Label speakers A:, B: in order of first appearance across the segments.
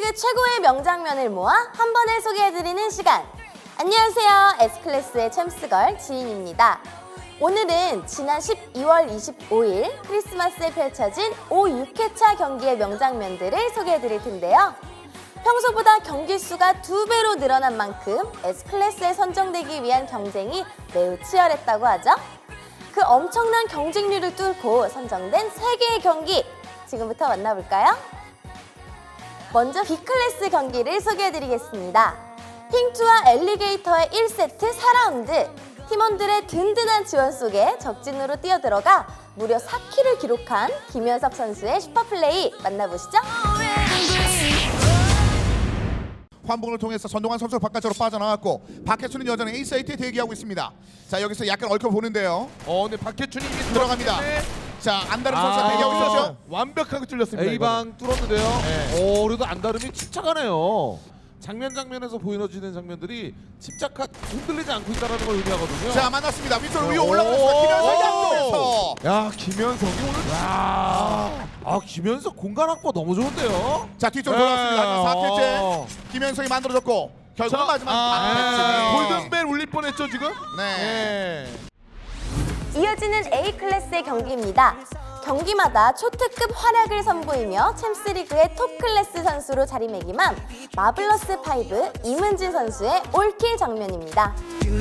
A: 챔스리그 최고의 명장면을 모아 한 번에 소개해드리는 시간. 안녕하세요. S클래스의 챔스걸 지인입니다. 오늘은 지난 12월 25일 크리스마스에 펼쳐진 6회차 경기의 명장면들을 소개해드릴 텐데요. 평소보다 경기 수가 2배로 늘어난 만큼 S클래스에 선정되기 위한 경쟁이 매우 치열했다고 하죠. 그 엄청난 경쟁률을 뚫고 선정된 3개의 경기, 지금부터 만나볼까요? 먼저 B클래스 경기를 소개해드리겠습니다. 핑투와 엘리게이터의 1세트 4라운드. 팀원들의 든든한 지원 속에 적진으로 뛰어들어가 무려 4킬을 기록한 김현석 선수의 슈퍼플레이 만나보시죠.
B: 환봉을 통해서 전동환 선수 바깥으로 빠져나왔고 박해춘은 여전히 A사이트에 대기하고 있습니다. 자, 여기서 약간 얽혀보는데요.
C: 근데 박해춘이
B: 들어갑니다. 자, 안다름 선수가 대기하고 있었죠.
C: 완벽하게 뚫렸습니다. A방 뚫었는데요.
B: 네.
C: 그래도 안다름이 침착하네요. 장면에서 보여지는 장면들이 흔들리지 않고 있다는 걸 의미하거든요.
B: 자, 만났습니다. 위쪽으로 위로 올라갔습니다. 김현석이 앞쪽에서.
C: 야, 김현석이 오늘 김현석 공간 확보 너무 좋은데요.
B: 자, 뒤쪽으로 돌아왔습니다. 4킬째 김현석이 만들어졌고 결국은 마지막 박해춘이
C: 골든벨 울릴 뻔했죠 지금?
B: 네.
A: 이어지는 A클래스의 경기입니다. 경기마다 초특급 활약을 선보이며 챔스리그의 톱클래스 선수로 자리매김한 마블러스5 이문진 선수의 올킬 장면입니다.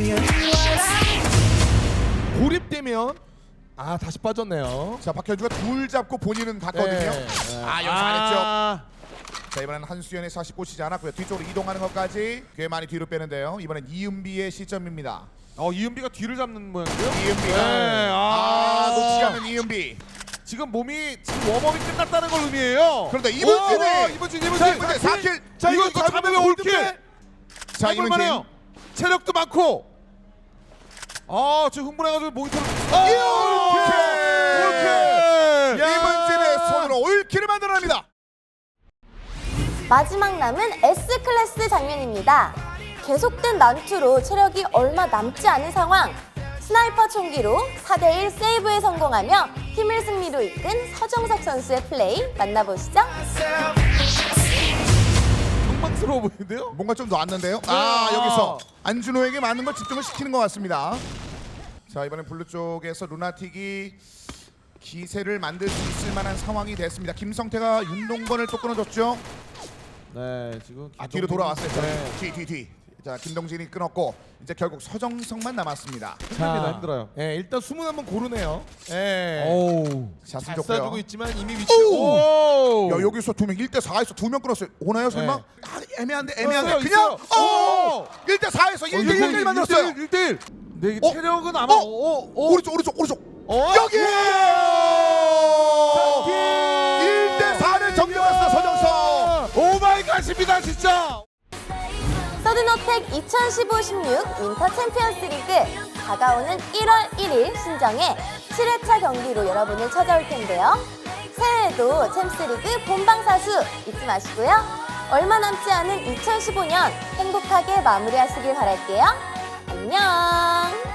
C: 고립되면 다시 빠졌네요.
B: 자, 박현주가 둘 잡고 본인은 갔거든요. 여기서 안 했죠. 자, 이번엔 한수연의 샷이 꽂히지 않았고요. 뒤쪽으로 이동하는 것까지 꽤 많이 뒤로 빼는데요. 이번엔 이은비의 시점입니다.
C: 이은비가 뒤를 잡는 모양이고요.
B: 이은비가 놓치지 않는 이은비.
C: 지금 몸이 웜업이 끝났다는 걸 의미해요.
B: 그런데 이문진이
C: 이문진
B: 4킬.
C: 자, 이거 잡으면 올킬.
B: 자, 이문진
C: 체력도 많고. 지금 흥분해가지고 모니터를 올킬.
B: 이문진의 손으로 올킬을 만들어냅니다.
A: 마지막 남은 S클래스 장면입니다. 계속된 난투로 체력이 얼마 남지 않은 상황. 스나이퍼 총기로 4대1 세이브에 성공하며 팀을 승리로 이끈 서정석 선수의 플레이 만나보시죠.
C: 경망스러워 보이는데요?
B: 뭔가 좀 놨는데요. 여기서 안준호에게 많은 걸 집중을 시키는 것 같습니다. 자, 이번엔 블루 쪽에서 루나틱이 기세를 만들 수 있을 만한 상황이 됐습니다. 김성태가 윤동건을 또 끊어줬죠.
C: 네, 지금
B: 뒤로 돌아왔어요.
C: 네.
B: 뒤. 자, 김동진이 끊었고 이제 결국 서정석만 남았습니다.
C: 힘들어요.
D: 일단 숨은 한번 고르네요.
B: 자,
D: 잘
B: 좋고요.
D: 쏴주고 있지만 이미 위치.
B: 야, 여기서 2명 1대4에서 2명 끊었어요. 오나요 설마? 애매한데.
C: 있어요,
B: 그냥
C: 있어요.
B: 1대4에서 1대1 만들었어요.
C: 1대1. 네, 이게 체력은 아마
B: 오른쪽. 여기! 1대4를 정리했어요, 서정석.
C: 오마이갓입니다, 진짜.
A: 서든어택 2015-16 윈터 챔피언스 리그 다가오는 1월 1일 신정에 7회차 경기로 여러분을 찾아올 텐데요. 새해에도 챔스리그 본방사수 잊지 마시고요. 얼마 남지 않은 2015년 행복하게 마무리하시길 바랄게요. 안녕.